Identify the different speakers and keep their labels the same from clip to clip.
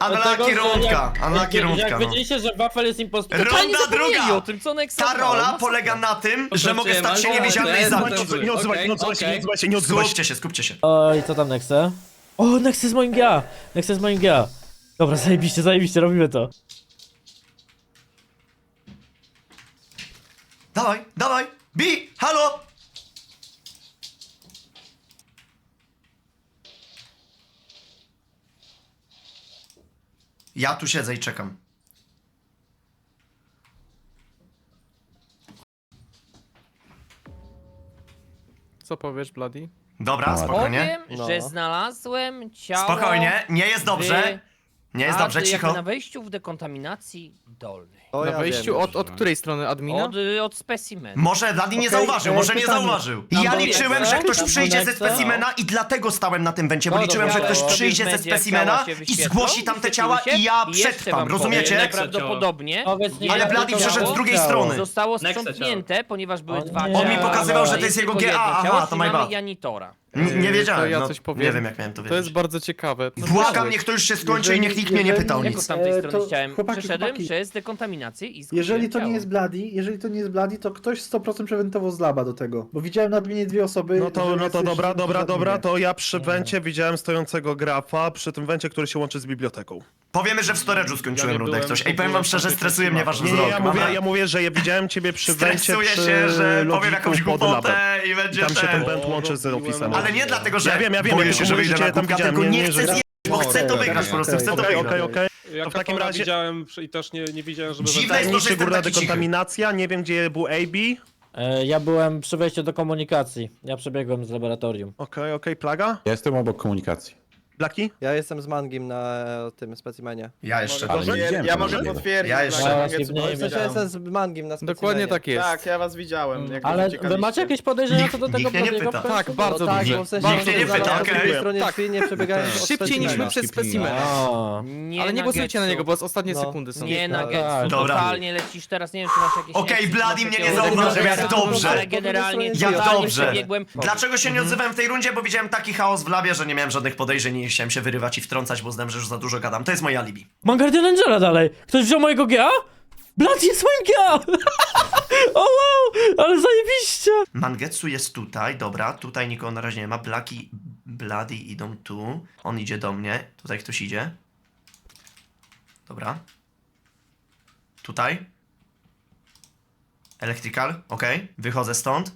Speaker 1: Unlucky rundka, unlucky
Speaker 2: Jak
Speaker 1: rundka, no.
Speaker 2: wiedzieliście, że Wafel jest impostorem, to
Speaker 1: Runda
Speaker 2: nie zapomnieli
Speaker 1: druga.
Speaker 2: o tym, co Nexa
Speaker 1: Ta rola polega na tym, że mogę stać się niewidzialny i zabić.
Speaker 3: Nie odzywaj się.
Speaker 1: Skupcie się.
Speaker 2: Oj, co tam Nexe? O, Nexe jest moim GA! Nexe jest moim GA! Dobra, zajebiście, robimy to.
Speaker 1: Dawaj, Bi, halo! Ja tu siedzę i czekam.
Speaker 4: Co powiesz, Bloody?
Speaker 1: Dobra, spokojnie.
Speaker 5: Powiem, że znalazłem ciało...
Speaker 1: Spokojnie, nie jest dobrze. Nie jest dobrze,
Speaker 5: jakby
Speaker 1: cicho.
Speaker 5: na wejściu w dekontaminacji dolnej.
Speaker 4: Na wejściu od której strony? Admina?
Speaker 5: Od specimena.
Speaker 1: Może Vladi nie zauważył, może nie zauważył. I ja
Speaker 2: Tam
Speaker 1: liczyłem, że ktoś
Speaker 2: tam
Speaker 1: przyjdzie ze
Speaker 2: Nexe?
Speaker 1: specimena i dlatego stałem na tym wencie, bo
Speaker 2: No
Speaker 1: liczyłem, że
Speaker 2: dobra,
Speaker 1: ktoś
Speaker 2: ale
Speaker 1: przyjdzie ze
Speaker 5: Media
Speaker 1: specimena
Speaker 5: ciała się
Speaker 1: i
Speaker 5: wyświetlą,
Speaker 1: zgłosi tamte ciała
Speaker 5: wyświetliły
Speaker 1: i ja
Speaker 5: się i jeszcze
Speaker 1: przetrwam,
Speaker 5: wam
Speaker 1: rozumiecie?
Speaker 5: powiem, Prawdopodobnie
Speaker 2: Powiedz mi,
Speaker 1: Ale
Speaker 2: jak
Speaker 1: Vladi
Speaker 2: to
Speaker 1: przyszedł z
Speaker 2: ciało?
Speaker 1: drugiej strony.
Speaker 5: zostało
Speaker 6: Nexa
Speaker 5: sprzątnięte, ponieważ były
Speaker 2: O
Speaker 5: dwa
Speaker 2: nie.
Speaker 5: ciała.
Speaker 2: On mi
Speaker 1: pokazywał, że to
Speaker 5: A
Speaker 1: jest jego
Speaker 5: tylko
Speaker 1: GA,
Speaker 5: jedno
Speaker 1: aha,
Speaker 5: ciało,
Speaker 1: to
Speaker 5: czyli
Speaker 1: my
Speaker 5: mamy
Speaker 1: bad.
Speaker 5: Janitora.
Speaker 1: Nie wiedziałem,
Speaker 4: To ja
Speaker 1: no,
Speaker 4: coś powiem.
Speaker 1: nie wiem jak miałem to
Speaker 4: To jest
Speaker 1: wiedzieć.
Speaker 4: bardzo ciekawe. Co
Speaker 1: Błagam,
Speaker 4: słyszałeś?
Speaker 1: niech to już się skończy i niech nikt mnie nie pytał
Speaker 5: Jak
Speaker 1: nic.
Speaker 5: od tamtej strony
Speaker 7: to
Speaker 5: chciałem.
Speaker 7: chłopaki,
Speaker 5: Przeszedłem
Speaker 7: chłopaki.
Speaker 5: przez dekontaminację i zgłosiłem
Speaker 7: Jeżeli to nie
Speaker 5: ciało.
Speaker 7: jest Bloody, to ktoś 100% przewentował z laba do tego. Bo widziałem na adminie dwie osoby.
Speaker 3: No to
Speaker 7: że
Speaker 3: dobra,
Speaker 7: jesteś-
Speaker 3: to ja przy wencie widziałem stojącego grafa, przy tym wencie, który się łączy z biblioteką.
Speaker 1: Powiemy, że w storage'u skończyłem rundę jak coś. Ej, powiem wam szczerze, stresuje mnie wasz
Speaker 3: Nie,
Speaker 1: wzrok.
Speaker 3: ja mówię, że ja widziałem ciebie przy wencie,
Speaker 1: Stresuję
Speaker 3: przy
Speaker 1: się, że powiem
Speaker 3: logiku
Speaker 1: jakąś
Speaker 3: pod labem.
Speaker 1: głupotę i będzie
Speaker 3: Tam się ten
Speaker 1: ten.
Speaker 3: went łączy z ofisem.
Speaker 1: Ale nie dlatego, że
Speaker 3: Ja wiem,
Speaker 1: boję się, że
Speaker 3: mówię,
Speaker 1: wyjdę
Speaker 3: że
Speaker 1: na
Speaker 3: cię tam
Speaker 1: kubka,
Speaker 3: widziałem,
Speaker 1: tylko
Speaker 3: nie,
Speaker 1: nie
Speaker 3: nie,
Speaker 1: chcę
Speaker 3: że-
Speaker 1: zjeść, bo chcę to
Speaker 7: Okej,
Speaker 1: wygrać po prostu,
Speaker 7: okej.
Speaker 1: chcę to
Speaker 3: Okej,
Speaker 1: wygrać.
Speaker 3: okej.
Speaker 6: Ja
Speaker 3: To w takim razie
Speaker 6: widziałem i też nie widziałem, żeby...
Speaker 1: Dziwne jest to, że
Speaker 3: tajemniczy
Speaker 1: jestem
Speaker 3: górna
Speaker 1: taki cichy.
Speaker 3: dekontaminacja, nie wiem gdzie był AB.
Speaker 2: Ja byłem przy wejściu do komunikacji. Ja przebiegłem z laboratorium.
Speaker 3: Okej, plaga?
Speaker 8: Ja jestem obok komunikacji.
Speaker 3: Blaki?
Speaker 9: Ja jestem z Mangim na tym specimenie.
Speaker 1: Ja jeszcze
Speaker 8: Ale nie widziałem
Speaker 10: Ja
Speaker 8: tego
Speaker 10: mogę
Speaker 8: drugiego.
Speaker 10: potwierdzić.
Speaker 1: Ja jeszcze-
Speaker 10: że
Speaker 2: Ja
Speaker 10: Mangetsu
Speaker 2: się w niej
Speaker 10: was
Speaker 2: nie
Speaker 9: W sensie
Speaker 10: widziałem.
Speaker 9: jestem z Mangim na specimenie.
Speaker 4: Dokładnie tak jest.
Speaker 10: Tak, ja was widziałem. Jak
Speaker 2: Ale
Speaker 10: uciekaliście.
Speaker 2: wy macie jakieś podejrzenia co do
Speaker 1: Nikt
Speaker 2: tego
Speaker 1: mnie nie
Speaker 2: Bladiego
Speaker 1: pyta.
Speaker 2: w końcu?
Speaker 4: Tak, bardzo
Speaker 9: tak,
Speaker 4: dobrze.
Speaker 9: bo w sensie
Speaker 1: Nikt mnie nie
Speaker 9: zaraz
Speaker 1: pyta,
Speaker 9: po drugiej
Speaker 1: okej.
Speaker 9: stronie
Speaker 4: Tak.
Speaker 9: drzwi nie przebiegając od
Speaker 4: Szybciej niż
Speaker 9: specimena.
Speaker 4: my przez specimena.
Speaker 2: O,
Speaker 5: Nie
Speaker 4: Ale nie głosujcie na
Speaker 5: Getsu.
Speaker 4: niego, bo ostatnie
Speaker 9: No.
Speaker 4: sekundy są.
Speaker 5: Nie na
Speaker 2: Tak,
Speaker 5: Getsu,
Speaker 1: dobra.
Speaker 5: totalnie lecisz teraz, nie wiem czy masz jakieś...
Speaker 1: Okej,
Speaker 5: eksy,
Speaker 1: Bloody
Speaker 5: masz
Speaker 1: mnie nie
Speaker 5: jakieś
Speaker 1: zauważył, jak
Speaker 5: odgłosy,
Speaker 1: dobrze.
Speaker 5: Ale generalnie
Speaker 9: Jak
Speaker 1: Jak
Speaker 5: totalnie
Speaker 1: dobrze.
Speaker 5: przebiegłem...
Speaker 1: Dlaczego się nie odzywałem w tej rundzie? Bo widziałem taki chaos w labie, że nie miałem żadnych podejrzeń i nie chciałem się wyrywać i wtrącać, bo uznałem, że już za dużo gadam. To jest moje alibi.
Speaker 2: mam Guardian Angela dalej! Ktoś wziął mojego GA? Blood jest moim GA! O wow! Ale zajebiście!
Speaker 1: Mangetsu jest tutaj, dobra, tutaj nikogo na razie nie ma. Bloody idą tu. On idzie do mnie. Tutaj ktoś idzie. Dobra. Tutaj. Electrical, okej. Wychodzę stąd.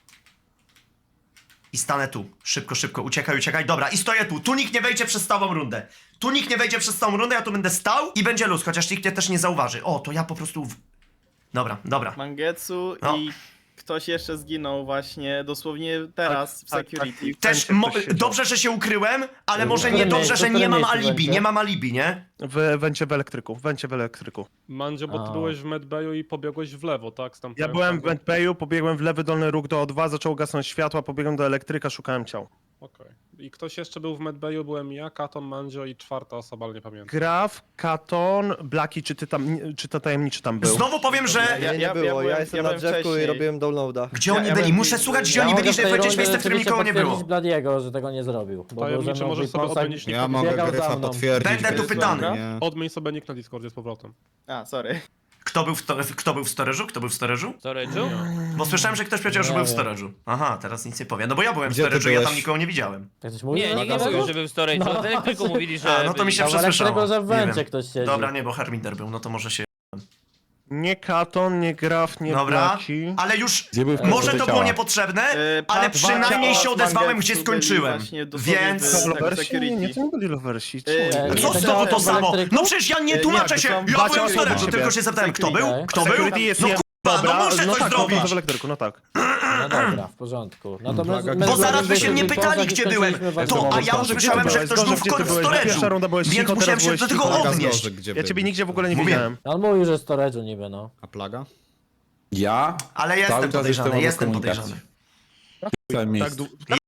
Speaker 1: I stanę tu. Szybko, uciekaj. Dobra, i stoję tu. Tu nikt nie wejdzie przez całą rundę. Ja tu będę stał i będzie luz, chociaż nikt mnie też nie zauważy. O, to ja po prostu... Dobra.
Speaker 10: Mangetsu
Speaker 1: No.
Speaker 10: i ktoś jeszcze zginął właśnie dosłownie teraz w
Speaker 3: tak,
Speaker 10: security.
Speaker 1: Też
Speaker 3: Ktoś siedział.
Speaker 1: dobrze, że się ukryłem, ale może
Speaker 2: którym
Speaker 1: nie dobrze,
Speaker 2: miejscu,
Speaker 1: że
Speaker 2: w którym
Speaker 1: nie mam
Speaker 2: miejscu
Speaker 1: alibi,
Speaker 2: będzie?
Speaker 1: nie mam alibi, nie?
Speaker 3: W wencie w elektryku.
Speaker 6: Mandzio, bo ty
Speaker 2: A.
Speaker 6: byłeś w medbayu i pobiegłeś w lewo, tak?
Speaker 3: Ja byłem w ventbayu, pobiegłem w lewy dolny róg do O2, zaczął gasnąć światła, pobiegłem do elektryka, szukałem ciał.
Speaker 6: Okej. I ktoś jeszcze był w medbayu, byłem ja, Katon, Mandzio i czwarta osoba, ale nie pamiętam.
Speaker 3: Graf, Katon, Blaki, czy to tajemniczy tam był?
Speaker 1: Znowu powiem, że...
Speaker 9: Nie, nie było, ja jestem na
Speaker 10: byłem
Speaker 9: drzewku i
Speaker 10: wcześniej.
Speaker 9: robiłem downloada.
Speaker 1: Gdzie oni
Speaker 10: ja
Speaker 1: byli?
Speaker 10: bym-
Speaker 1: Muszę słuchać, gdzie
Speaker 2: Ja
Speaker 1: oni
Speaker 2: mogę
Speaker 1: byli,
Speaker 2: w
Speaker 1: żeby
Speaker 2: tej
Speaker 1: powiedzieć
Speaker 2: rundzie
Speaker 1: miejsce, w którym
Speaker 2: oczywiście
Speaker 1: nikogo nie było.
Speaker 2: potwierdzić Bladiego, że tego nie zrobił. Bo
Speaker 6: Tajemniczy
Speaker 2: był ze mną
Speaker 6: możesz
Speaker 2: w
Speaker 6: sobie
Speaker 2: Weeponsach,
Speaker 6: odmienić
Speaker 8: Ja mogę
Speaker 2: biegał za
Speaker 8: Gryfa
Speaker 2: mną.
Speaker 8: potwierdzić.
Speaker 1: Będę tu
Speaker 8: Gryfa,
Speaker 1: pytany.
Speaker 8: nie?
Speaker 6: Odmień sobie nick na Discordzie z powrotem.
Speaker 10: A, sorry.
Speaker 1: Kto był w storage'u? Kto był w storage'u?
Speaker 5: Storage'u?
Speaker 1: Bo słyszałem, że ktoś powiedział, że
Speaker 2: Nie
Speaker 1: był w
Speaker 2: wiem.
Speaker 1: storage'u. Aha, teraz nic nie powiem. No bo ja byłem w
Speaker 8: Gdzie ty
Speaker 1: storage'u, ja tam
Speaker 8: byłeś?
Speaker 1: nikogo nie widziałem.
Speaker 2: Tak coś mówi?
Speaker 5: Nie, nikt nie mówił, że był w storage'u,
Speaker 2: No.
Speaker 5: no. tylko mówili, że...
Speaker 1: A, no to mi się
Speaker 5: byli.
Speaker 1: przesłyszało.
Speaker 2: że w
Speaker 1: Nie
Speaker 2: wencie
Speaker 1: wiem.
Speaker 2: ktoś siedzi.
Speaker 1: Dobra, nie, bo Harminder był, no to może się...
Speaker 3: Nie Katon, nie Graf, nie
Speaker 1: Dobra,
Speaker 3: Blaki.
Speaker 1: ale już...
Speaker 8: Gdzie był w
Speaker 1: Może
Speaker 8: końcu
Speaker 1: to
Speaker 8: te
Speaker 1: było
Speaker 8: ciała?
Speaker 1: niepotrzebne, ale
Speaker 10: Pat-
Speaker 1: przynajmniej
Speaker 10: Pat-
Speaker 1: się odezwałem, gdzie
Speaker 10: Mangetsu byli
Speaker 1: skończyłem.
Speaker 10: właśnie dosłownie
Speaker 1: Więc...
Speaker 10: w-
Speaker 3: Loversi? Nie,
Speaker 10: security.
Speaker 3: to nie byli loversi.
Speaker 10: Yy,
Speaker 1: Co
Speaker 2: Nie,
Speaker 1: znowu to
Speaker 2: w
Speaker 1: samo?
Speaker 2: elektryku?
Speaker 1: No przecież ja nie tłumaczę się! Ja byłem w storage'u, tylko się zapytałem, kto był? Kto był?
Speaker 3: Security jest
Speaker 1: No
Speaker 3: nie...
Speaker 1: kurwa,
Speaker 3: Dobra,
Speaker 1: no muszę
Speaker 3: no
Speaker 1: coś
Speaker 3: tak,
Speaker 1: zrobić!
Speaker 3: w elektryku, no tak.
Speaker 2: No dobra, w porządku. No to
Speaker 8: Plaga,
Speaker 2: my
Speaker 1: Bo
Speaker 8: Bo
Speaker 1: zaraz by się
Speaker 2: byliśmy
Speaker 1: mnie
Speaker 2: w
Speaker 1: pytali,
Speaker 2: Weeponsach i
Speaker 1: gdzie byłem,
Speaker 2: skończyliśmy
Speaker 1: to, a ja
Speaker 2: walkę.
Speaker 1: usłyszałem, że ktoś był w
Speaker 3: Pierwsza
Speaker 1: storage'u,
Speaker 3: runda byłeś
Speaker 1: więc
Speaker 3: cicho,
Speaker 1: musiałem
Speaker 3: teraz
Speaker 1: się
Speaker 3: byłeś
Speaker 1: do tego
Speaker 3: cicho.
Speaker 1: odnieść.
Speaker 3: Ja ciebie nigdzie w ogóle nie
Speaker 1: Mówię.
Speaker 3: widziałem.
Speaker 2: On mówił, że storage'u niby, no.
Speaker 8: A plaga? Ja?
Speaker 1: Ale
Speaker 8: Cały
Speaker 1: jestem
Speaker 8: czas
Speaker 1: podejrzany,
Speaker 8: jestem
Speaker 1: jestem
Speaker 8: obok
Speaker 1: podejrzany.
Speaker 8: Całe
Speaker 3: Tak,
Speaker 8: miejsce.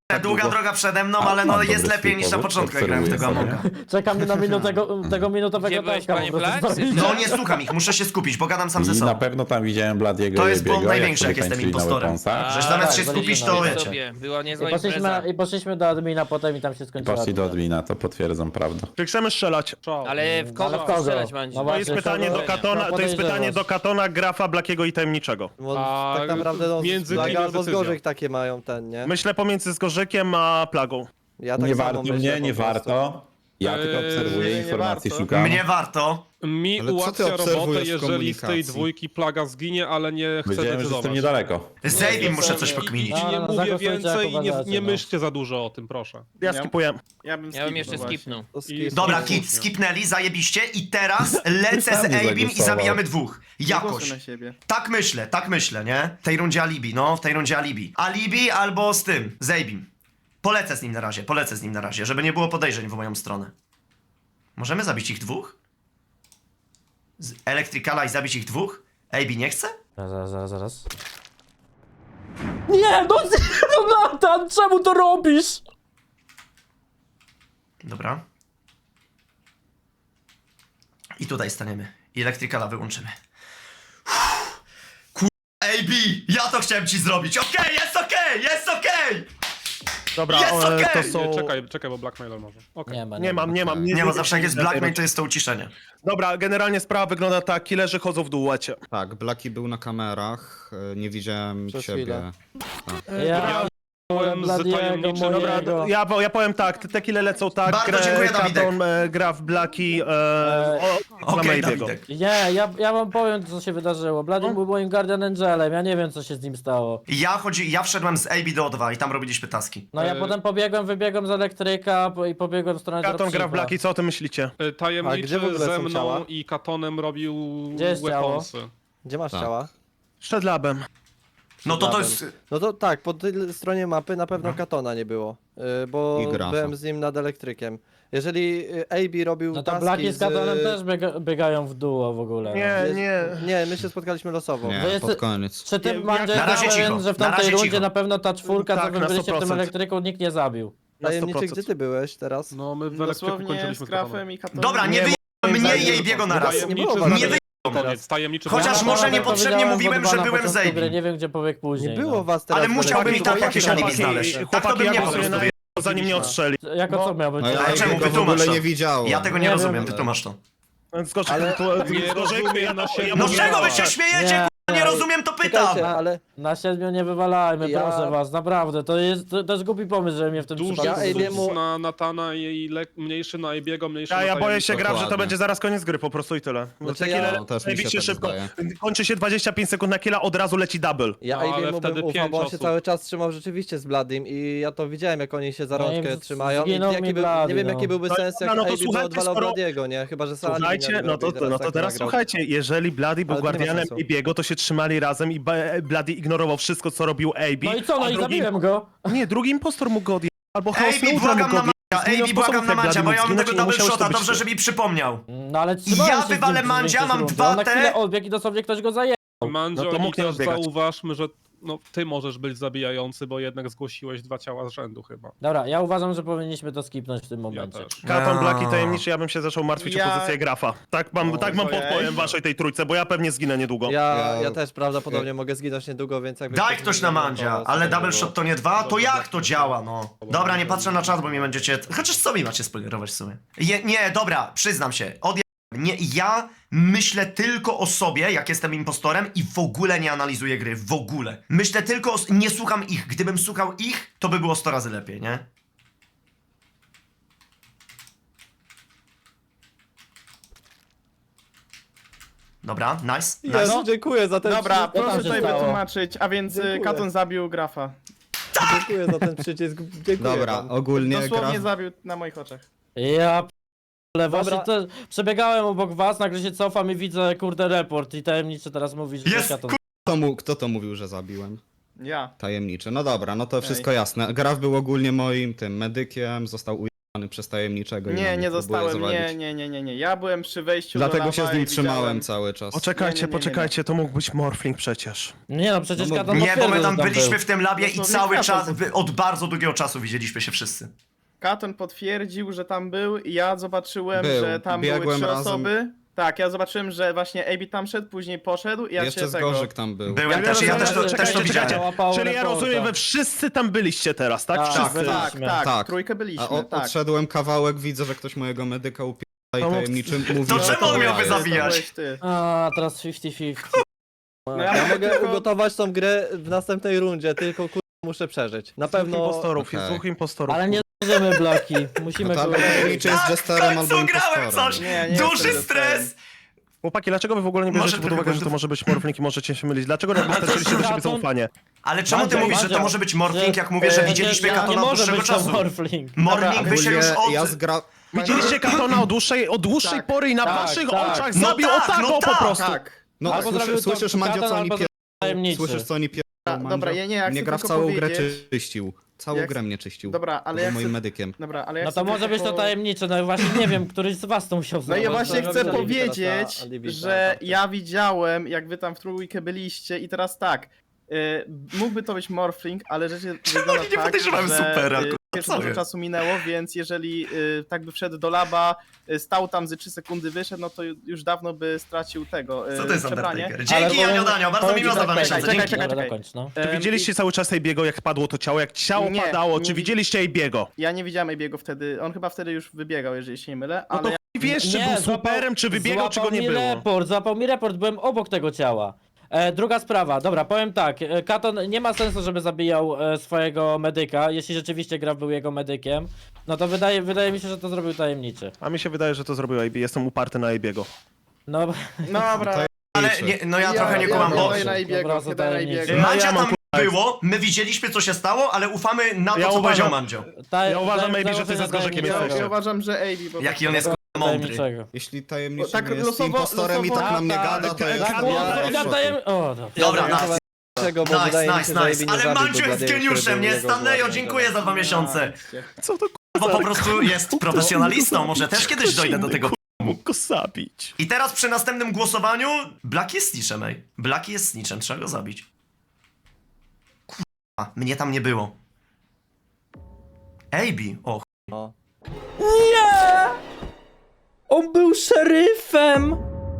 Speaker 1: Długa droga przede mną, ale no jest lepiej niż na początku, jak grałem w tego Amonga.
Speaker 2: Czekamy na tego minutowego
Speaker 5: Gdzie byłeś,
Speaker 2: taska,
Speaker 5: panie
Speaker 2: po prostu
Speaker 5: Black?
Speaker 2: zrobić.
Speaker 1: No nie słucham ich, muszę się skupić, bo gadam sam ze
Speaker 8: I na
Speaker 1: sobą.
Speaker 8: pewno tam widziałem Bladiego
Speaker 1: To
Speaker 8: i
Speaker 1: jest błąd
Speaker 8: Ebiego,
Speaker 1: największy,
Speaker 8: sobie
Speaker 1: jak jestem
Speaker 8: tańczyli na
Speaker 1: impostorem.
Speaker 8: weaponsach.
Speaker 1: Żeś zamiast się
Speaker 2: tak,
Speaker 1: skupić,
Speaker 2: byliśmy
Speaker 1: to
Speaker 2: na
Speaker 1: wiecie.
Speaker 5: sobie. Była niezła impreza.
Speaker 2: I poszliśmy do admina potem i tam się
Speaker 8: I
Speaker 2: skończyło.
Speaker 8: poszli do admina, to potwierdzam, prawda.
Speaker 3: Czy chcemy strzelać?
Speaker 6: Czoł.
Speaker 5: Ale w kogo
Speaker 2: Ale w kogo?
Speaker 5: strzelać, Mandziu?
Speaker 2: No
Speaker 3: To jest
Speaker 2: właśnie,
Speaker 3: pytanie do
Speaker 2: czego-
Speaker 3: Katona, to jest
Speaker 2: podejrzewasz?
Speaker 3: pytanie do Katona, Grafa, Blakiego i Tajemniczego.
Speaker 9: Bo
Speaker 6: A
Speaker 9: tak naprawdę no,
Speaker 6: między
Speaker 9: Blaga
Speaker 6: kim jest
Speaker 9: albo z
Speaker 6: decyzja?
Speaker 9: Gorzek takie mają ten, nie?
Speaker 3: Myślę pomiędzy Zgorzykiem a Plagą.
Speaker 9: Ja tak
Speaker 8: Nie
Speaker 9: samo
Speaker 8: warto
Speaker 9: myślę
Speaker 8: mnie,
Speaker 9: po
Speaker 8: nie
Speaker 9: prostu.
Speaker 8: warto. Ja tylko obserwuję
Speaker 10: nie
Speaker 8: informacji,
Speaker 10: warto.
Speaker 8: szukam.
Speaker 1: Mnie warto.
Speaker 6: Mi
Speaker 11: Ale co ty
Speaker 6: ułatwia robotę,
Speaker 11: obserwujesz w
Speaker 6: jeżeli z tej
Speaker 11: komunikacji?
Speaker 6: dwójki plaga zginie, ale nie chcę
Speaker 8: Wiedziałem, że jestem
Speaker 6: decydować.
Speaker 8: niedaleko.
Speaker 1: Z Abim muszę coś pokminić.
Speaker 6: I nie
Speaker 2: No,
Speaker 6: mówię
Speaker 2: zagłosujcie, jak
Speaker 6: więcej i nie
Speaker 2: uważacie, no.
Speaker 6: myślcie za dużo o tym, proszę.
Speaker 3: Ja
Speaker 10: Ja-
Speaker 3: skipuję.
Speaker 10: Ja bym,
Speaker 5: Ja bym jeszcze
Speaker 10: właśnie.
Speaker 5: skipnął.
Speaker 9: To
Speaker 6: I-
Speaker 9: skip.
Speaker 1: Dobra,
Speaker 6: Słusznie.
Speaker 1: skipnęli, zajebiście i teraz lecę z
Speaker 8: Sam nie
Speaker 1: Abim i
Speaker 8: zagłosował.
Speaker 1: zabijamy dwóch.
Speaker 10: Nie
Speaker 1: Jakoś.
Speaker 10: głosuj na siebie.
Speaker 1: Tak myślę, nie? W tej rundzie alibi, no, w tej rundzie alibi. Alibi albo z tym, z Abim. Polecę z nim na razie, żeby nie było podejrzeń w moją stronę. Możemy zabić ich dwóch? Z Electricala i zabić ich dwóch? Abi nie chce?
Speaker 2: Zaraz. Nie, no Nathan, czemu to robisz?
Speaker 1: Dobra. I tutaj staniemy. I Electricala wyłączymy. AB! Ja to chciałem ci zrobić! Okej, jest okej!
Speaker 3: Dobra,
Speaker 1: Jest okej!
Speaker 3: to
Speaker 6: Nie,
Speaker 3: są...
Speaker 6: czekaj, bo blackmailer może. Okej.
Speaker 3: Nie mam.
Speaker 1: Nie, bo zawsze jak jest blackmail, to jest to uciszenie.
Speaker 3: Dobra, generalnie sprawa wygląda tak, killerzy chodzą w duecie.
Speaker 11: Tak, Blaki był na kamerach, nie widziałem
Speaker 9: Przez
Speaker 11: ciebie.
Speaker 9: chwilę.
Speaker 2: Ja
Speaker 6: Byłem z
Speaker 2: Bladiego,
Speaker 6: tajemniczym.
Speaker 2: mojego.
Speaker 3: Ja powiem tak, te kille lecą tak,
Speaker 1: Bardzo dziękuję, Dawidek.
Speaker 3: Katon, Graf, Blaki,
Speaker 1: Okej,
Speaker 3: Abiego.
Speaker 1: Dawidek.
Speaker 2: Nie, ja wam powiem, co się wydarzyło. Blady był moim Guardian Angelem, ja nie wiem, co się z nim stało.
Speaker 1: Ja wszedłem z AB do O2 i tam robiliśmy taski.
Speaker 2: No ja potem wybiegłem z elektryka i pobiegłem w stronę
Speaker 3: Katon,
Speaker 2: dropshipa.
Speaker 3: Graf, Blaki, co o tym myślicie?
Speaker 9: A
Speaker 6: Tajemniczy
Speaker 9: gdzie w ogóle
Speaker 6: ze
Speaker 9: są
Speaker 6: mną
Speaker 9: ciała?
Speaker 6: i Katonem robił
Speaker 2: Gdzie jest ciało?
Speaker 6: weaponsy.
Speaker 9: Gdzie masz
Speaker 11: Tak.
Speaker 9: ciała?
Speaker 3: Przed labem.
Speaker 1: No to jest...
Speaker 9: No to tak, po tej stronie mapy na pewno Katona nie było, bo
Speaker 11: I Grafa.
Speaker 9: byłem z nim nad elektrykiem. Jeżeli AB robił
Speaker 2: No to
Speaker 9: taski
Speaker 2: Blaki z Katonem też biegają w duo w ogóle. no.
Speaker 9: Nie, my się spotkaliśmy losowo.
Speaker 11: Nie,
Speaker 2: Wy jest-
Speaker 11: pod koniec.
Speaker 2: Czy ty,
Speaker 3: Nie,
Speaker 2: Mandzio,
Speaker 1: na razie
Speaker 2: jesteś
Speaker 1: cicho,
Speaker 2: pewien, że w
Speaker 1: na
Speaker 2: tamtej
Speaker 1: razie
Speaker 2: rundzie
Speaker 1: cicho.
Speaker 2: na pewno ta czwórka,
Speaker 3: Tak,
Speaker 2: co wy
Speaker 3: na
Speaker 2: byliście w tym
Speaker 3: 100%.
Speaker 2: elektryku, nikt nie zabił.
Speaker 3: Na
Speaker 9: Tajemniczy,
Speaker 3: 100%.
Speaker 9: gdzie ty byłeś teraz?
Speaker 6: No my w elektryku
Speaker 10: Dosłownie
Speaker 6: kończyliśmy
Speaker 10: z
Speaker 6: z Katonem.
Speaker 10: Grafem i Katonem.
Speaker 1: Dobra, nie wyjdę mnie i AB'ego na raz.
Speaker 9: Nie
Speaker 6: Tajemniczy
Speaker 9: było
Speaker 6: z
Speaker 9: was
Speaker 1: Nie
Speaker 6: elektryku
Speaker 1: wyjdą.
Speaker 6: koniec. Tajemniczy
Speaker 1: Chociaż
Speaker 6: z
Speaker 1: może
Speaker 6: elektryku.
Speaker 1: niepotrzebnie
Speaker 2: widziałem
Speaker 1: mówiłem,
Speaker 2: w O2
Speaker 1: że
Speaker 2: na
Speaker 1: byłem
Speaker 2: początku
Speaker 1: z AB.
Speaker 2: gry, nie wiem, gdzie pobiegł później.
Speaker 9: Nie było
Speaker 2: no.
Speaker 9: was teraz.
Speaker 1: Ale
Speaker 9: w
Speaker 1: musiałbym i
Speaker 9: elektryku.
Speaker 1: tak jakieś alibi
Speaker 3: Chłopaki,
Speaker 1: znaleźć. Tak to
Speaker 3: chłopaki,
Speaker 1: bym
Speaker 3: ja
Speaker 1: nie po
Speaker 3: głosuję
Speaker 1: prostu
Speaker 3: na zanim mnie odstrzeli.
Speaker 2: Jako co miał być?
Speaker 11: No ja
Speaker 1: Ale czemu?
Speaker 11: jego w
Speaker 1: Wytłumacz
Speaker 11: ogóle
Speaker 1: to.
Speaker 11: nie widziałem.
Speaker 1: Ja tego nie
Speaker 2: Nie
Speaker 1: rozumiem,
Speaker 2: wiem.
Speaker 1: wytłumacz to.
Speaker 3: Zgorzyk,
Speaker 6: Nie rozumiem na siebie.
Speaker 1: No z
Speaker 6: Nie
Speaker 1: czego wy
Speaker 6: ma.
Speaker 1: się śmiejecie,
Speaker 2: Nie.
Speaker 1: k***a, nie rozumiem, to pytam!
Speaker 9: Czekajcie, ale
Speaker 2: Na 7 nie wywalajmy,
Speaker 9: Ja-
Speaker 2: proszę was, naprawdę. To jest głupi pomysł, że mnie w tym
Speaker 6: Duży
Speaker 2: przypadku...
Speaker 9: Ja
Speaker 6: sus
Speaker 9: AB'emu
Speaker 6: na Natana i mniejszy na AB'ego, mniejszy na
Speaker 3: Ja boję się,
Speaker 6: tajemniczego.
Speaker 3: Graf, że to
Speaker 11: Dokładnie.
Speaker 3: będzie zaraz koniec gry po prostu i tyle.
Speaker 9: Znaczy
Speaker 3: Te
Speaker 9: ja-
Speaker 3: kille
Speaker 11: No, też mi się
Speaker 3: zajebiście
Speaker 11: tak
Speaker 3: szybko.
Speaker 11: zdaje.
Speaker 3: Kończy się 25 sekund na killa, od razu leci double.
Speaker 9: ja
Speaker 6: No, ale
Speaker 9: AB'emu
Speaker 6: wtedy
Speaker 9: bym ufał,
Speaker 6: 5
Speaker 9: bo on się
Speaker 6: osób.
Speaker 9: cały czas trzymał rzeczywiście z Bladim i ja to widziałem, jak oni się za
Speaker 2: No i
Speaker 9: rączkę
Speaker 2: z-
Speaker 9: trzymają. I
Speaker 2: zginął mi
Speaker 9: jaki
Speaker 2: Blady,
Speaker 9: nie wiem,
Speaker 2: no.
Speaker 9: jaki byłby
Speaker 3: No,
Speaker 9: sens, jak
Speaker 3: no to
Speaker 9: AB by
Speaker 3: słuchajcie,
Speaker 9: odwalał
Speaker 3: skoro-
Speaker 9: Bladiego, nie? Chyba, że sam
Speaker 3: Słuchajcie, no to
Speaker 9: tak
Speaker 3: teraz
Speaker 9: nagrał.
Speaker 3: słuchajcie, jeżeli Bloody był
Speaker 9: Ale to nie ma
Speaker 3: guardianem
Speaker 9: sensu.
Speaker 3: Abiego, to się trzymali razem i Bloody ignorował wszystko, co robił AB.
Speaker 2: No i co, no
Speaker 3: a
Speaker 2: i
Speaker 3: drugi-
Speaker 2: zabiłem go.
Speaker 3: Nie, drugi impostor mógł go odjechać, albo Chaos
Speaker 1: AB,
Speaker 3: Neutral
Speaker 1: błagam
Speaker 3: mógł
Speaker 1: na
Speaker 3: go
Speaker 1: Mandzia,
Speaker 3: odjechać.
Speaker 1: AB, błagam na Mandzia, bo ja mam tego double shota, dobrze, że mi przypomniał.
Speaker 2: No ale trzymałem
Speaker 1: Ja
Speaker 2: się z nim
Speaker 1: wywalę
Speaker 2: przez
Speaker 1: Mandzia,
Speaker 2: większość
Speaker 1: mam
Speaker 2: rundy.
Speaker 1: 2
Speaker 2: On na
Speaker 1: T.
Speaker 2: chwilę odbiegł i dosłownie ktoś go zajęł.
Speaker 6: Mandzio,
Speaker 3: No to mógł
Speaker 6: i
Speaker 3: nie
Speaker 6: też
Speaker 3: odbiegać.
Speaker 6: zauważmy, że no, ty możesz być zabijający, bo jednak zgłosiłeś 2 ciała z rzędu chyba.
Speaker 2: Dobra, ja uważam, że powinniśmy to skipnąć w tym
Speaker 6: Ja
Speaker 2: momencie.
Speaker 6: też.
Speaker 3: Katon, Black i Tajemniczy, ja bym się zaczął martwić o
Speaker 10: Ja-
Speaker 3: pozycję Grafa. Tak mam
Speaker 10: ojej.
Speaker 3: podpowiem waszej tej trójce, bo ja pewnie zginę niedługo.
Speaker 9: Ja też prawdopodobnie mogę zginąć niedługo, więc jakby...
Speaker 1: Daj ktoś na Mandzia, ale double shot to nie 2, to jak to działa, no? Dobra, nie patrzę na czat, bo mi będziecie... Chociaż co mi macie spoilerować w sumie? Nie, dobra, przyznam się, nie, ja myślę tylko o sobie, jak jestem impostorem i w ogóle nie analizuję gry, w ogóle. Myślę tylko o... nie słucham ich, gdybym słuchał ich, to by było 100 razy lepiej, nie? Dobra, nice.
Speaker 9: Jezu, dziękuję za ten
Speaker 10: Dobra,
Speaker 9: przycisk.
Speaker 10: proszę
Speaker 2: tam się
Speaker 10: tutaj
Speaker 2: stało?
Speaker 10: wytłumaczyć, a więc
Speaker 9: Dziękuję.
Speaker 10: Katon zabił Grafa.
Speaker 9: Dziękuję za ten przycisk. Dziękuję
Speaker 11: Dobra,
Speaker 9: wam.
Speaker 11: ogólnie
Speaker 10: Dosłownie
Speaker 11: Graf...
Speaker 10: zabił na moich oczach.
Speaker 2: Ja ale właśnie
Speaker 9: Dobra.
Speaker 2: to, przebiegałem obok was, nagle się cofam i widzę kurde report i tajemniczy teraz mówi, że
Speaker 1: Jest,
Speaker 2: to Katon.
Speaker 11: Kto to mówił, że zabiłem?
Speaker 10: Ja.
Speaker 11: Tajemniczy. No dobra, no to wszystko jasne. Graf był ogólnie moim tym medykiem, został ujęty przez tajemniczego. i na
Speaker 10: Nie,
Speaker 11: mnie
Speaker 10: nie
Speaker 11: próbuje
Speaker 10: zostałem,
Speaker 11: zawalić.
Speaker 10: nie. Ja byłem przy wejściu do
Speaker 11: Dlatego
Speaker 10: lawa
Speaker 11: się z nim
Speaker 10: i
Speaker 11: trzymałem
Speaker 10: widziałem...
Speaker 11: cały czas.
Speaker 3: Poczekajcie,
Speaker 10: Nie.
Speaker 3: poczekajcie, to mógł być Morphling przecież.
Speaker 2: Nie no, przecież
Speaker 11: No bo-
Speaker 2: Katon
Speaker 1: Nie, bo my
Speaker 2: potwierdził,
Speaker 1: tam
Speaker 2: że
Speaker 1: byliśmy
Speaker 2: był.
Speaker 1: w tym labie i
Speaker 10: Dosłownie
Speaker 1: cały
Speaker 10: Katon
Speaker 1: czas, od bardzo długiego czasu widzieliśmy się wszyscy.
Speaker 10: Katon potwierdził, że tam był i ja zobaczyłem,
Speaker 11: Był.
Speaker 10: że tam były
Speaker 11: Biegłem
Speaker 10: 3
Speaker 11: razem.
Speaker 10: osoby. Tak, ja zobaczyłem, że właśnie AB tam szedł, później poszedł i ja
Speaker 11: Jeszcze
Speaker 10: cię
Speaker 11: z
Speaker 10: tego...
Speaker 11: Gorzyk tam był.
Speaker 1: Byłem
Speaker 3: Ja
Speaker 1: też, ja
Speaker 3: rozumiem,
Speaker 1: też
Speaker 3: że-
Speaker 1: też to
Speaker 3: czekajcie,
Speaker 1: widziałem.
Speaker 2: Łapało
Speaker 3: Czyli ja
Speaker 2: reporta.
Speaker 3: rozumiem, wy wszyscy tam byliście teraz, tak?
Speaker 2: Tak,
Speaker 3: Wszyscy.
Speaker 2: byliśmy.
Speaker 10: Tak,
Speaker 11: Tak.
Speaker 10: trójkę byliśmy,
Speaker 11: A
Speaker 10: tak.
Speaker 11: odszedłem kawałek, widzę, że ktoś mojego medyka upiera i
Speaker 3: To mów-
Speaker 11: tajemniczym mówi,
Speaker 1: To
Speaker 11: że
Speaker 1: czemu on
Speaker 11: ja
Speaker 1: miałby
Speaker 11: jestem.
Speaker 1: zabijać?
Speaker 10: To byłeś ty.
Speaker 2: A, teraz 50-50.
Speaker 10: No
Speaker 9: Ja mogę
Speaker 10: tylko-
Speaker 9: ugotować tą grę w następnej rundzie, tylko muszę przeżyć. Na
Speaker 3: Dwóch
Speaker 9: pewno...
Speaker 3: impostorów, jest
Speaker 11: Okej.
Speaker 3: dwóch impostorów.
Speaker 2: Ale nie zajrzymy Blaki, musimy
Speaker 11: No to albo
Speaker 2: go...
Speaker 11: tajemniczy jest
Speaker 1: Tak, w
Speaker 11: jesterem, albo
Speaker 1: końcu grałem
Speaker 11: impostorem.
Speaker 1: coś!
Speaker 10: Nie
Speaker 1: Duży
Speaker 10: jestem
Speaker 1: stres!
Speaker 3: Chłopaki, dlaczego wy w ogóle nie
Speaker 1: Może
Speaker 3: bierzecie pod uwagę,
Speaker 1: tylko-
Speaker 3: że to może być Morphling i możecie się mylić? Dlaczego nie wystarczyliście do siebie zaufanie?
Speaker 1: Ale czemu ty
Speaker 2: Mandzio,
Speaker 1: mówisz, że to
Speaker 2: Mandzio,
Speaker 1: może być Morphling, jak mówię, że widzieliśmy
Speaker 2: nie
Speaker 1: Katona od
Speaker 2: może
Speaker 1: dłuższego
Speaker 2: być to
Speaker 1: czasu?
Speaker 2: Morphling.
Speaker 1: Morphling by się już
Speaker 11: Ogólnie
Speaker 1: od...
Speaker 11: ja zgra...
Speaker 3: Widzieliście Katona od dłuższej
Speaker 10: Tak,
Speaker 3: pory i na
Speaker 2: tak,
Speaker 3: waszych
Speaker 2: tak.
Speaker 3: oczach
Speaker 1: No
Speaker 3: zabił
Speaker 1: tak,
Speaker 3: o tak,
Speaker 1: no
Speaker 3: o po
Speaker 1: tak,
Speaker 3: prostu.
Speaker 10: Tak.
Speaker 11: No,
Speaker 2: Albo zrobił to
Speaker 11: słyszysz Mandzio,
Speaker 2: Katon,
Speaker 11: co oni
Speaker 2: albo
Speaker 11: pier...
Speaker 2: tajemniczy.
Speaker 11: Słyszysz, co oni pier...
Speaker 10: Dobra, ja
Speaker 11: Mnie
Speaker 10: chcę
Speaker 11: gra w
Speaker 10: tylko
Speaker 11: całą grę
Speaker 10: powiedzieć-
Speaker 11: czyścił. Całą
Speaker 10: Jak-
Speaker 11: grę mnie czyścił.
Speaker 10: Dobra, ale
Speaker 11: Był
Speaker 10: ja
Speaker 11: moim
Speaker 10: chcę...
Speaker 11: medykiem.
Speaker 10: Dobra, ale ja
Speaker 2: No
Speaker 10: chcę
Speaker 2: to może być to
Speaker 10: tylko-
Speaker 2: tajemnicze, no właśnie nie wiem, któryś z was to musiał
Speaker 10: No
Speaker 2: zrobić.
Speaker 10: i właśnie
Speaker 9: to
Speaker 10: chcę
Speaker 9: robię alibi teraz
Speaker 10: powiedzieć,
Speaker 9: na alibi
Speaker 10: że
Speaker 9: na
Speaker 10: ja widziałem, jak wy tam w trójkę byliście i teraz tak. Mógłby to być Morphling, ale rzeczy wygląda
Speaker 1: oni nie
Speaker 10: tak,
Speaker 1: podejrzewają
Speaker 10: że
Speaker 1: supera, kurwa,
Speaker 10: pierwszy
Speaker 1: co
Speaker 10: dużo
Speaker 1: jest?
Speaker 10: czasu minęło, więc jeżeli tak by wszedł do laba, stał tam ze 3 sekundy, wyszedł, no to już dawno by stracił tego
Speaker 1: Co to jest
Speaker 10: przebranie.
Speaker 1: Undertaker? Dzięki, Janio Danio, bardzo mi miło za 2 miesiące,
Speaker 10: czekaj,
Speaker 1: dzięki.
Speaker 10: czekaj.
Speaker 2: Dobra, dokończ, no.
Speaker 3: Czy widzieliście cały czas Ejbiego, jak padło to ciało? Jak ciało
Speaker 10: Nie,
Speaker 3: padało,
Speaker 10: nie
Speaker 3: czy
Speaker 10: wi-
Speaker 3: widzieliście Ejbiego?
Speaker 10: Ja nie widziałem Abiego wtedy, on chyba wtedy już wybiegał, jeżeli się nie mylę,
Speaker 3: No to
Speaker 10: ale...
Speaker 3: wiesz, czy był superem, czy wybiegał, czy go nie było?
Speaker 2: Złapał mi report, byłem obok tego ciała. Druga sprawa, dobra, powiem tak, Katon nie ma sensu, żeby zabijał swojego medyka, jeśli rzeczywiście Graf był jego medykiem, no to wydaje mi się, że to zrobił tajemniczy.
Speaker 3: A mi się wydaje, że to zrobił Ejbi, jestem uparty na Ejbiego.
Speaker 2: No,
Speaker 10: Dobra,
Speaker 1: Ale nie, no ja trochę nie kumam, bo...
Speaker 10: daję na Abiego,
Speaker 2: Dobra,
Speaker 10: daję na
Speaker 2: tajemniczy.
Speaker 10: Abiego.
Speaker 1: Mandzia
Speaker 3: ja mam
Speaker 1: tam było, my widzieliśmy co się stało, ale ufamy na to,
Speaker 3: Ja
Speaker 1: co
Speaker 3: uważam-
Speaker 1: powiedział Mandzio.
Speaker 3: Ja uważam, maybe, że ty ze Zgorzekiem
Speaker 10: Ja
Speaker 3: jesteś.
Speaker 10: uważam, że AB po
Speaker 1: Jaki on
Speaker 10: prostu-
Speaker 1: jest mądry.
Speaker 11: Jeśli tajemniczy
Speaker 10: Tak
Speaker 11: jest
Speaker 10: losowo-
Speaker 11: impostorem i tak na mnie
Speaker 10: losowo-
Speaker 11: gada, to
Speaker 3: tak,
Speaker 11: jest...
Speaker 3: tak,
Speaker 2: O, dobra.
Speaker 1: Dobra,
Speaker 9: Ja
Speaker 1: nice.
Speaker 9: Czego, bo wydaje mi się, że Ejbi nie
Speaker 1: Ale
Speaker 9: zabił
Speaker 1: Mandzio
Speaker 9: do
Speaker 1: jest
Speaker 9: Bladiego,
Speaker 1: geniuszem,
Speaker 9: który
Speaker 1: nie?
Speaker 9: był jego
Speaker 1: Stanleyo,
Speaker 9: głową.
Speaker 1: dziękuję za 2 miesiące.
Speaker 3: Co to
Speaker 1: Bo po prostu jest profesjonalistą, może też kiedyś dojdę do tego.
Speaker 3: mógł go zabić?
Speaker 1: I teraz przy następnym głosowaniu Black jest snitchem, ej. Black jest snitchem, trzeba go zabić. Kurwa, mnie tam nie było. AB, o
Speaker 9: No.
Speaker 2: Nie! On był szeryfem!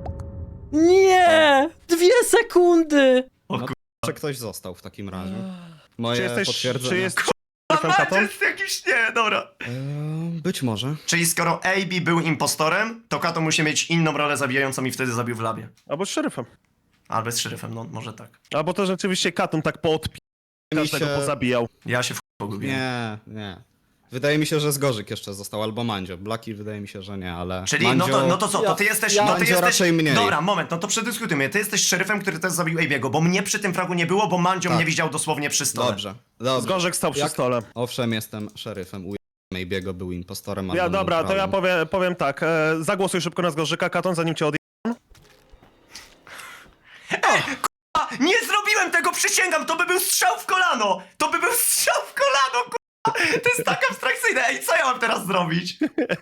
Speaker 2: Nie! 2 sekundy!
Speaker 11: Że ktoś został w takim razie.
Speaker 3: Czy
Speaker 11: Moje
Speaker 3: jesteś,
Speaker 11: potwierdzenie.
Speaker 3: czy jest
Speaker 1: A
Speaker 3: szefem
Speaker 1: Mandzio
Speaker 3: Katon?
Speaker 1: jest jakiś, nie, dobra.
Speaker 11: Być może.
Speaker 1: Czyli skoro AB był impostorem, to Kato musi mieć inną rolę zabijającą i wtedy zabił w labie.
Speaker 3: Albo z szeryfem.
Speaker 1: Albo z szeryfem, no może tak.
Speaker 3: Albo to rzeczywiście Katon tak każdego pozabijał.
Speaker 1: Ja się pogubiłem.
Speaker 11: Nie. Wydaje mi się, że Zgorzyk jeszcze został, albo Mandzio. Blaki wydaje mi się, że nie, ale
Speaker 1: Czyli
Speaker 11: Mandzio...
Speaker 1: no to co, to ty jesteś... no ty
Speaker 11: Mandzio
Speaker 1: jesteś...
Speaker 11: raczej mniej.
Speaker 1: Dobra, moment, no to przedyskutujmy. Ty jesteś szeryfem, który też zabił AB'ego, bo mnie przy tym fragu nie było, bo Mandzio
Speaker 11: Tak.
Speaker 1: mnie widział dosłownie przy stole.
Speaker 11: Dobrze.
Speaker 3: Zgorzek stał przy
Speaker 11: Jak-
Speaker 3: stole.
Speaker 11: Owszem, jestem szeryfem. Maybiego był impostorem. albo
Speaker 3: Dobra, to ja
Speaker 11: neutralnym.
Speaker 3: powiem tak. Zagłosuj szybko na Zgorzyka, Katon, zanim cię odje...
Speaker 1: A, nie zrobiłem tego, przysięgam, to by był strzał w kolano! To by był strzał w kolano, kurwa! To jest tak abstrakcyjne, ej, co ja mam teraz zrobić?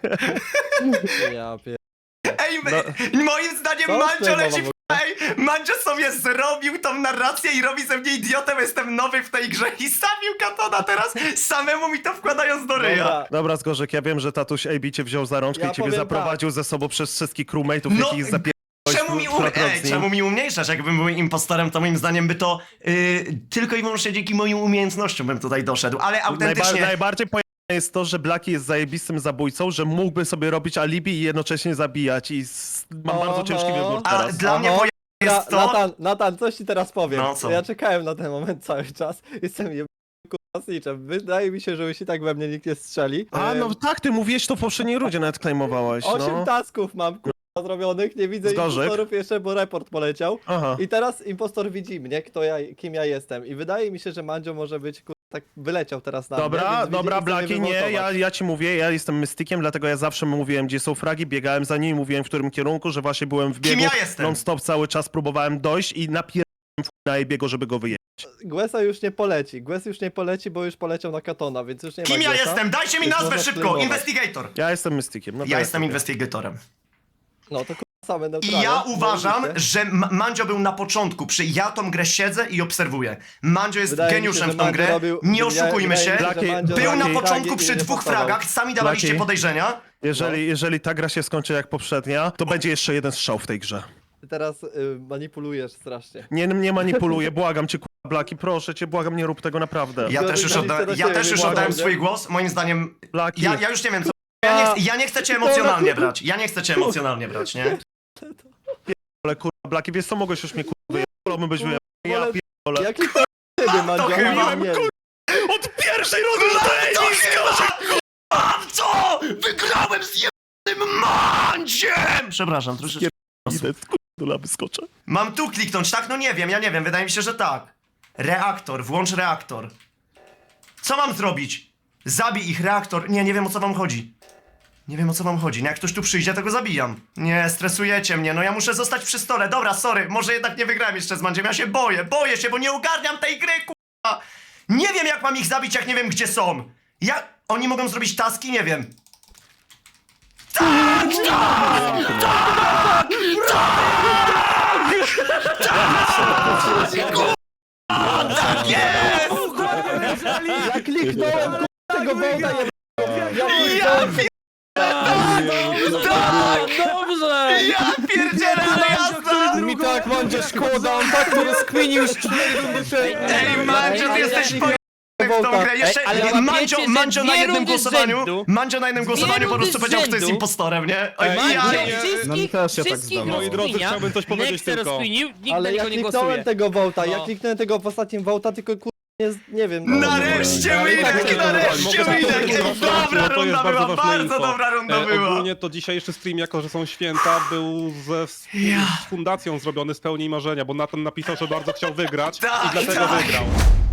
Speaker 9: Ja pier...
Speaker 1: Ej, moim zdaniem
Speaker 9: Co
Speaker 1: Mandzio
Speaker 9: ty,
Speaker 1: leci
Speaker 9: mama,
Speaker 1: w... Ej, Mandzio sobie zrobił tą narrację i robi ze mnie idiotę, bo jestem nowy w tej grze i zabił Katona teraz, samemu mi to wkładając do ryja.
Speaker 9: Dobra,
Speaker 3: Dobra, Zgorzyk, ja wiem, że tatuś AB cię wziął za rączkę
Speaker 9: Ja
Speaker 3: i ciebie
Speaker 9: powiem
Speaker 3: zaprowadził ze sobą przez wszystkich crewmate'ów,
Speaker 1: No,
Speaker 3: jakich zapierdolałeś
Speaker 1: Czemu mi umniejszasz? Jakbym był impostorem, to moim zdaniem by to tylko i wyłącznie dzięki moim umiejętnościom bym tutaj doszedł, ale autentycznie...
Speaker 3: Najbardziej pojemne jest to, że Blaki jest zajebistym zabójcą, że mógłby sobie robić alibi i jednocześnie zabijać i mam bardzo ciężki wybór
Speaker 1: A
Speaker 3: teraz.
Speaker 1: dla mnie pojemne jest to...
Speaker 9: Natan, coś ci teraz powiem.
Speaker 1: No, co?
Speaker 9: Ja czekałem na ten moment cały czas. Jestem kurwa. Wydaje mi się, że jeśli tak we mnie nikt nie strzeli.
Speaker 3: A, no tak, ty mówiłeś to w poprzedniej rundzie, nawet claimowałeś,
Speaker 9: 8
Speaker 3: no.
Speaker 9: tasków mam kurwa zrobionych, nie widzę
Speaker 3: Zgorzyk.
Speaker 9: impostorów jeszcze, bo report poleciał.
Speaker 3: Aha.
Speaker 9: I teraz impostor widzi mnie, kim ja jestem. I wydaje mi się, że Mandzio może być kurwa, tak wyleciał teraz na mnie,
Speaker 3: Dobra,
Speaker 9: więc
Speaker 3: dobra,
Speaker 9: widzieli, chcę
Speaker 3: Blaki,
Speaker 9: mnie
Speaker 3: nie,
Speaker 9: wywołtować.
Speaker 3: ja ci mówię, ja jestem mystykiem, dlatego ja zawsze mówiłem, gdzie są fragi, biegałem za nimi, mówiłem w którym kierunku, że właśnie byłem w biegu,
Speaker 1: ja jestem?
Speaker 3: non-stop cały czas próbowałem dojść i na Ebiego, żeby go wyjechać.
Speaker 9: Guesa już nie poleci. Gues już nie poleci, bo już poleciał na Katona, więc już nie ma
Speaker 1: Kim ja
Speaker 9: Guesa.
Speaker 1: jestem? Dajcie mi
Speaker 9: Więc
Speaker 1: nazwę
Speaker 9: można
Speaker 1: szybko!
Speaker 9: claimować.
Speaker 1: Investigator!
Speaker 3: Ja jestem Mystikiem. No to
Speaker 1: Ja jestem
Speaker 3: sobie.
Speaker 1: investigatorem.
Speaker 9: No to same
Speaker 1: I
Speaker 9: neutralne.
Speaker 1: ja uważam,
Speaker 9: Zajebiście.
Speaker 1: że Mandzio był na początku. Ja tą grę siedzę i obserwuję. Mandzio jest
Speaker 9: Wydaje mi się,
Speaker 1: geniuszem
Speaker 9: że
Speaker 1: w tą
Speaker 9: Mandzio
Speaker 1: grę.
Speaker 9: robił-
Speaker 1: Nie
Speaker 9: wydaje-
Speaker 1: oszukujmy
Speaker 9: wydaje
Speaker 1: się.
Speaker 9: mi się, że Mandzio
Speaker 1: Był na
Speaker 9: robił
Speaker 1: początku
Speaker 9: fragi i
Speaker 1: przy
Speaker 9: nie
Speaker 1: 2
Speaker 9: pasował.
Speaker 1: fragach, sami dawaliście
Speaker 3: Blaki.
Speaker 1: podejrzenia.
Speaker 3: Jeżeli ta gra się skończy jak poprzednia, to będzie jeszcze jeden strzał w tej grze.
Speaker 9: Ty teraz manipulujesz strasznie.
Speaker 3: Nie manipuluję, błagam cię, kurwa, Blaki, proszę cię, błagam, nie rób tego naprawdę.
Speaker 1: Ja też już,
Speaker 9: Zgadza się do siebie,
Speaker 1: oddałem
Speaker 9: błagam,
Speaker 1: swój głos. Moim zdaniem,
Speaker 3: Blaki,
Speaker 1: ja już nie wiem co. Ja nie chcę cię emocjonalnie brać. Ja nie chcę cię emocjonalnie brać, nie?
Speaker 3: ale kurwa, Blaki, wiesz co, mogłeś już mnie kurwa wyjechać, wolałbym być wyjechać. Ja
Speaker 9: Wolę-
Speaker 3: pierdolę.
Speaker 9: Jaki to ciebie, Mandzio?
Speaker 1: chyba.
Speaker 9: Nie,
Speaker 3: Od pierwszej rundy
Speaker 1: To chyba! Mam co? Wygrałem z jednym Mandziem! Przepraszam, troszeczkę.
Speaker 3: idę, kurwa, do laby skoczę.
Speaker 1: Mam tu kliknąć, tak? No nie wiem, ja nie wiem, wydaje mi się, że tak. Reaktor, włącz reaktor. Co mam zrobić? Zabij ich, reaktor. Nie wiem o co wam chodzi. Nie wiem o co wam chodzi. No jak ktoś tu przyjdzie, to go zabijam. Nie, stresujecie mnie, no ja muszę zostać przy stole. Dobra, sorry, może jednak nie wygrałem jeszcze z Mandziem. Ja się boję się, bo nie ogarniam tej gry, k***a. Nie wiem jak mam ich zabić, jak nie wiem gdzie są. Oni mogą zrobić taski? Nie wiem.
Speaker 9: Ja kliknąłem tego wołta Ja kliknąłem
Speaker 2: Dobrze!
Speaker 1: Ja pierdzielę, ale jasno!
Speaker 4: Mi tak Mandzio szkoda, on tak to rozkminił już 4 rundy wcześniej.
Speaker 1: Ej, Mandzio, ty jesteś pojebany w tą grę. Jeszcze
Speaker 5: Ej, ale
Speaker 1: Mandzio,
Speaker 5: łapiecie, że
Speaker 1: Mandzio na
Speaker 5: dwie
Speaker 1: jednym
Speaker 5: rundy z
Speaker 1: głosowaniu.
Speaker 5: rzędu.
Speaker 1: Mandzio na jednym głosowaniu po prostu
Speaker 5: rundy z
Speaker 1: powiedział, kto jest
Speaker 5: rzędu.
Speaker 1: impostorem, nie? Oj,
Speaker 6: Ej,
Speaker 1: ja,
Speaker 5: Mandzio
Speaker 6: nie,
Speaker 5: wszystkich,
Speaker 11: no mi też się tak
Speaker 5: wszystkich
Speaker 11: zdawało.
Speaker 6: Moi drodzy,
Speaker 5: rozkminia.
Speaker 6: chciałbym coś powiedzieć
Speaker 5: Nexter
Speaker 6: tylko.
Speaker 5: rozkminił, nikt na
Speaker 9: Ale ja
Speaker 5: niego nie
Speaker 9: kliknąłem
Speaker 5: głosuje.
Speaker 9: tego wołta, ja
Speaker 5: No.
Speaker 9: kliknąłem tego w ostatnim wołta, tylko nie wiem.
Speaker 1: Nareszcie
Speaker 9: Ale tak
Speaker 1: Winek,
Speaker 9: się
Speaker 1: nareszcie
Speaker 6: Mogę
Speaker 1: Winek!
Speaker 6: powiedzieć,
Speaker 1: Ej,
Speaker 6: że
Speaker 1: dobra
Speaker 6: to jest
Speaker 1: runda była,
Speaker 6: ważne
Speaker 1: bardzo
Speaker 6: info.
Speaker 1: dobra runda była.
Speaker 6: Ogólnie to dzisiejszy stream, jako że są święta, był z fundacją zrobiony z pełni marzenia, bo Nathan napisał, że bardzo chciał wygrać
Speaker 1: Tak,
Speaker 6: i dlatego
Speaker 1: tak.
Speaker 6: wygrał.